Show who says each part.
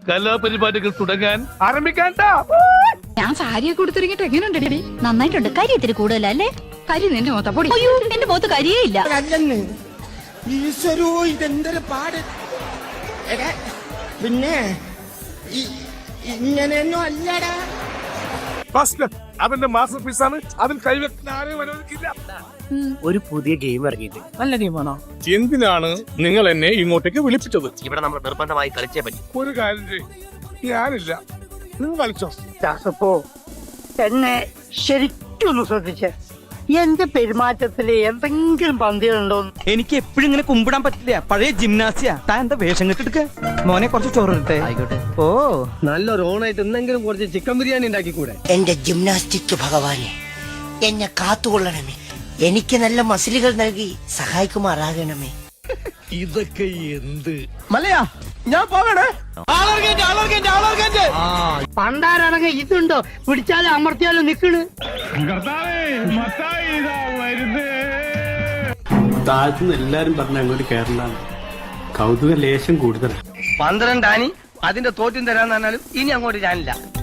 Speaker 1: കലാപരിപാടികൾ തുടങ്ങാൻ ആരംഭിക്കാൻ.
Speaker 2: ഞാൻ സാരിയൊക്കെ കൊടുത്തിറങ്ങിട്ട് എങ്ങനെയുണ്ട്?
Speaker 3: നന്നായിട്ടുണ്ട്. കരി ഇത്തിരി കൂടുതലല്ലേ?
Speaker 2: കരി നിന്റെ മൊത്തം പൊടി.
Speaker 3: അയ്യോ, എന്റെ മുഖത്ത് കരിയേ ഇല്ല.
Speaker 4: ഈശ്വരോ, ഇതെന്തൊരു പാട്. പിന്നെ ഇങ്ങനെയൊന്നും അല്ലടാ.
Speaker 1: അവന്റെ മാസ്റ്റർ പീസാണ്. അതിൽ കൈവെക്കാൻ ആരെയും അനുവദിക്കില്ല.
Speaker 5: ഒരു പുതിയ ഗെയിം ഇറങ്ങിയിട്ട് നല്ല ഗെയിമാണോ?
Speaker 1: എന്തിനാണ് നിങ്ങൾ എന്നെ ഇങ്ങോട്ടേക്ക് വിളിപ്പിച്ചത്?
Speaker 5: ഇവിടെ നമ്മൾ നിർബന്ധമായി കളിച്ചേ പറ്റി.
Speaker 1: ഒരു കാര്യം ചെയ്യും, ഞാനില്ല, നിങ്ങൾ കളിച്ചോ.
Speaker 6: ദാസപ്പോ എന്നെ ശരിക്കൊന്ന് ശ്രദ്ധിച്ചേ. എന്റെ പെരുമാറ്റത്തില് എന്തെങ്കിലും പന്തികളുണ്ടോ?
Speaker 7: എനിക്ക് എപ്പോഴും ഇങ്ങനെ കുമ്പിടാൻ പറ്റില്ല. പഴയ ജിംനാസിയാ. താൻ എന്താ വേഷം കെട്ടെടുക്ക? മോനെ കുറച്ച് ചോറിട്ടെ.
Speaker 5: ആയിക്കോട്ടെ.
Speaker 7: ഓ,
Speaker 5: നല്ലൊരു ഓണായിട്ട് എന്തെങ്കിലും കുറച്ച് ചിക്കൻ ബിരിയാണി ഉണ്ടാക്കിക്കൂടെ?
Speaker 4: എന്റെ ജിംനാസ്റ്റിക് ഭഗവാനെ, എന്നെ കാത്തുകൊള്ളണമേ. എനിക്ക് നല്ല മസിലുകൾ നൽകി സഹായിക്കുമാറാകണമേ.
Speaker 1: ഇതൊക്കെ എന്ത്
Speaker 5: മലയാ, ഞാൻ പോകണേ.
Speaker 6: പണ്ടാരാണെങ്കിൽ ഇതുണ്ടോ? പിടിച്ചാലും അമർത്തിയാലും നിക്കണ്.
Speaker 8: താഴ്ത്തുനിന്ന് എല്ലാരും പറഞ്ഞ അങ്ങോട്ട് കേരളാണ്. കൗതുക ലേശം കൂടുതലാണ്.
Speaker 5: 12 ആനി അതിന്റെ തോറ്റും തരാന്ന് പറഞ്ഞാലും ഇനി അങ്ങോട്ട് ഞാനില്ല.